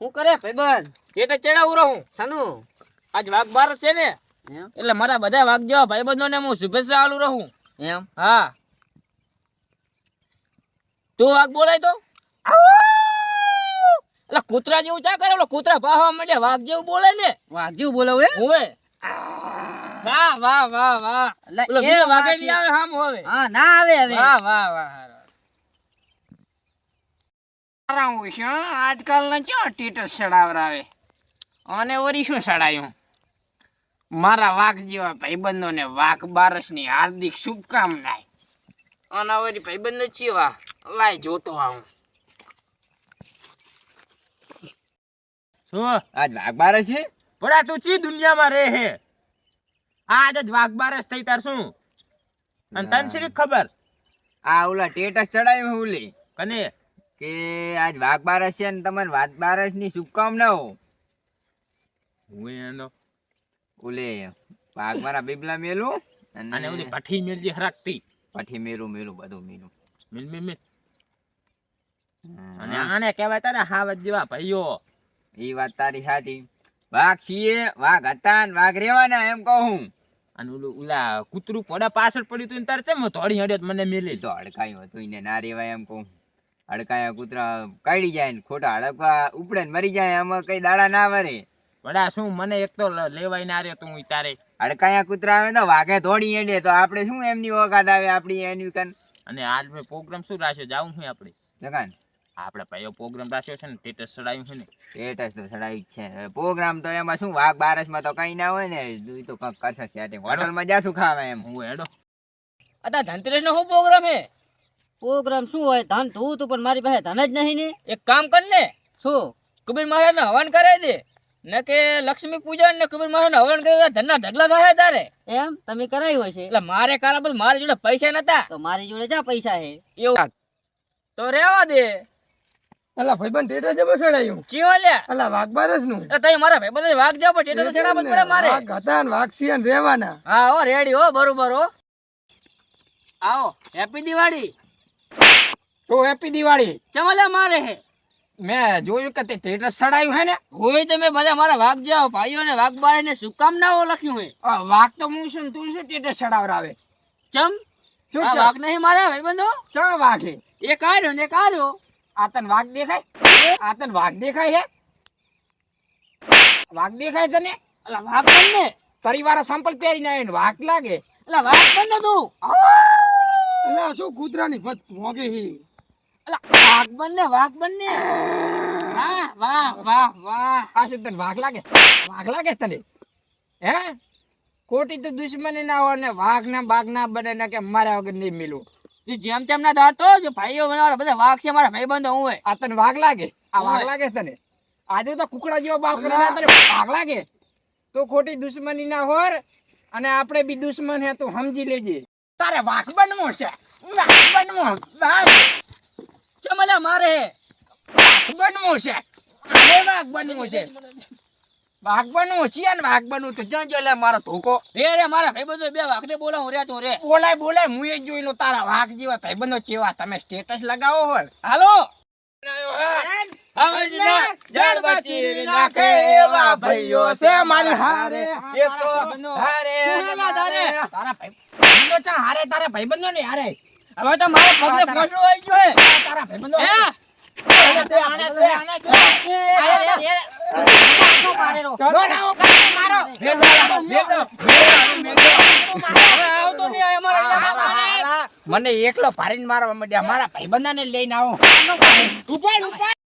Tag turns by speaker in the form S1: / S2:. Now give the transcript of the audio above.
S1: હું કરે ભાઈબંધ?
S2: પેટે ચડાવું રહું
S1: સાનું
S2: આજ વાઘ બાર છે ને
S1: એમ
S2: એટલે મારા બધા વાઘ જેવા ભાઈબંધોને હું શુભેચ્છા આલું રહું.
S1: એમ
S2: હા તું વાઘ બોલાય તો એટલે કૂતરા જેવું ચા કરે, કૂતરા પાહવા માંડે વાઘ જેવું બોલે ને.
S1: વાઘ જેવું બોલાવું હે?
S2: હોવે વાહ વાહ વાહ વાહ.
S1: એટલે
S2: ઓલો
S1: એ
S2: બીજો વાઘ
S1: વાઘ
S2: નહીં આવે હામ હવે.
S1: હા ના આવે હવે.
S2: વાહ વાહ વાહ.
S3: આજકાલના ક્યાં ટેટસ ચડાવરાવે અને વરી શું ચડાયું? મારા વાઘ જેવા ભાઈબંધોને વાઘ બારસની હાર્દિક શુભકામના. અને વરી ભાઈબંધો ચેવા લાય જોતો આવું.
S4: શું આજ વાઘ બારસ છે? પડા તું ચી દુનિયામાં રહે હે? આજ જ વાઘ બારસ થઈ તાર શું? અને તને શી ખબર?
S5: આ ઓલા ટેટસ ચડાવ્યું ઓલી
S4: કને
S5: કે આજ વાઘ બારસ છે ને તમને વાઘ બારસ ની શુભકામનાઓ.
S4: હું એનો
S5: ઓલે વાઘ મારા બીબલા મેલું
S4: અને ઓલી પઠી મેલજી હરાકતી
S5: પછી મેરું બધું મેલું.
S4: મિલ મિલ મિલ. અને આને કહેવાય તારા હાવત જેવા ભાઈઓ.
S5: એ વાત તારી સાચી. વાઘ છીએ, વાઘ હતા ને વાઘ રેવાના એમ કહું.
S4: અને ઓલું ઓલા કૂતરું પોડા પાછળ પડ્યું તું તાર છે થોડી હડ્યો મને મેલી
S5: તો હડકાયું હતું એને ના રેવાય એમ કહું. હડકાયા કૂતરા કાઢી જાય ને ખોટા હડકવા ઉપડે ને મરી જાય, આમાં કઈ દાડા ના વરે.
S4: વડા શું મને એક તો લેવાય ના રહ્યો તું તારે.
S5: હડકાયા કૂતરા આવે તો વાઘે દોડી એડે તો આપણે શું એમની ઓકાત આવે આપણી એની કન.
S4: અને આજ મેં પ્રોગ્રામ શું રાખ્યો જાવું છું આપણે
S5: જગાન
S4: આપણે ભાઈઓ પ્રોગ્રામ રાખ્યો છે ને સ્ટેટસ ચડાવ્યું છે ને.
S5: સ્ટેટસ તો ચડાવી જ છે. પ્રોગ્રામ તો એમાં શું વાઘ બારસમાં તો કઈ ના હોય ને, ઈ તો કંઈક કરશે સેટિંગ. હોટલમાં જાશું ખાવા એમ.
S4: હું હેડો
S2: અતા ધનતેરસ નો શું પ્રોગ્રામ હે?
S1: પ્રોગ્રામ શું હોય? ધન તું તું પણ મારી પાસે ધન જ નહીં ને.
S2: એક કામ કર ને,
S1: શું
S2: કબીર મહારાજ ને હવન કરાવી દે ને કે લક્ષ્મી પૂજન ને કબીર મહારાજ ને હવન કરી ધનના ઢગલા થાય તારે.
S1: એમ તમે કરાયું હશે?
S2: એટલે મારે કારા બધું મારી જોડે પૈસા નતા
S1: તો મારી જોડે જા પૈસા હે.
S2: એવું તો રેવા દે.
S6: અલા ભાઈબંધ ટેટા જબર ચડાયું.
S2: ચીઓ લ્યા
S6: અલા વાઘ બારસ નું
S2: એટલે તઈ મારા ભાઈ બધા વાઘ જાવ પણ ટેટા ચડાવવા પડે મારે.
S6: વાઘ હતા ને વાઘ સિયન રહેવાના.
S2: હા હો રેડી હો બરોબર હો. આવો હેપી દિવાળી.
S3: તો હેપી દિવાળી.
S2: ચમલે મારે હે
S3: મેં જોયું કે તે ટેટસ ચડાયું હે ને.
S2: હોય તમે બધા મારા વાઘ જાવ ભાઈઓ ને વાઘ બારે ને શુભકામનાઓ લખ્યું હે.
S3: વાઘ તો હું છું ને તું શું ટેટસ ચડાવરાવે?
S2: ચમ
S3: શું
S2: આ વાઘ નહીં મારા ભાઈબંધો?
S3: ચા વાઘ હે?
S2: એક આર્યો ને એક આર્યો.
S3: આ તને વાઘ દેખાય? આ તને વાઘ દેખાય હે? વાઘ દેખાય તને?
S2: અલા વાઘ બનને.
S3: તારી વાળા સંપલ પહેરીને આવે ને વાઘ લાગે.
S2: અલા વાઘ બનને તું.
S6: અલા શું કૂતરાની ભત મોગે હી.
S2: અલા વાઘ બનને વાઘ બનને. વાહ વાહ વાહ વાહ.
S3: આ શું તને વાઘ લાગે? વાઘ લાગે તને? હે ખોટી તો દુશ્મની ના હોય ને વાઘ ના બાઘ ના બને ને કે મારા વગર નહીં મિલું.
S2: તું જેમ તેમ ના ધારતો જો ભાઈઓ મારા બધા વાઘ છે મારા ભાઈબંધો હું હોય.
S3: આ તને વાઘ લાગે? આ વાઘ
S2: ઓય.
S3: લાગે તને? આજે તો કુકડા જેવો બાપ કરીને તને વાઘ લાગે? તો ખોટી દુશ્મની ના હોર અને આપણે બી દુશ્મન હે તું સમજી લેજે. તારે વાઘ બનવું છે. વાઘ બનવું.
S2: ચમલા મારે હે.
S3: વાઘ બનવું છે. અરે વાઘ બનવું છે. વાઘ બનવું છે ને વાઘ બનવું તો જો લે મારો ધોકો.
S2: રે મારા ભાઈબંધો બે વાઘ ને બોલાવું રે તું રે.
S3: બોલાય હું એ જોઈ લો તારા વાઘ જેવા ભાઈબંધો ચેવા તમે સ્ટેટસ લગાવો હોય.
S2: હાલો
S4: ભાઈઓ છે મારી હારે. એક તો
S2: હારે
S3: તારા ભાઈબંધો ચા હારે તારા ભાઈબંધો ને હારે.
S2: હવે તો મારા પગને ફોસડો આવી ગયો હે.
S3: તારા ભાઈબંધો
S2: હે આવતો નહીં આ અમારા
S3: મને એકલો ભારીને મારવા માંડ્યા. મારા ભાઈબંધાને લઈને આવો. ઉપાડ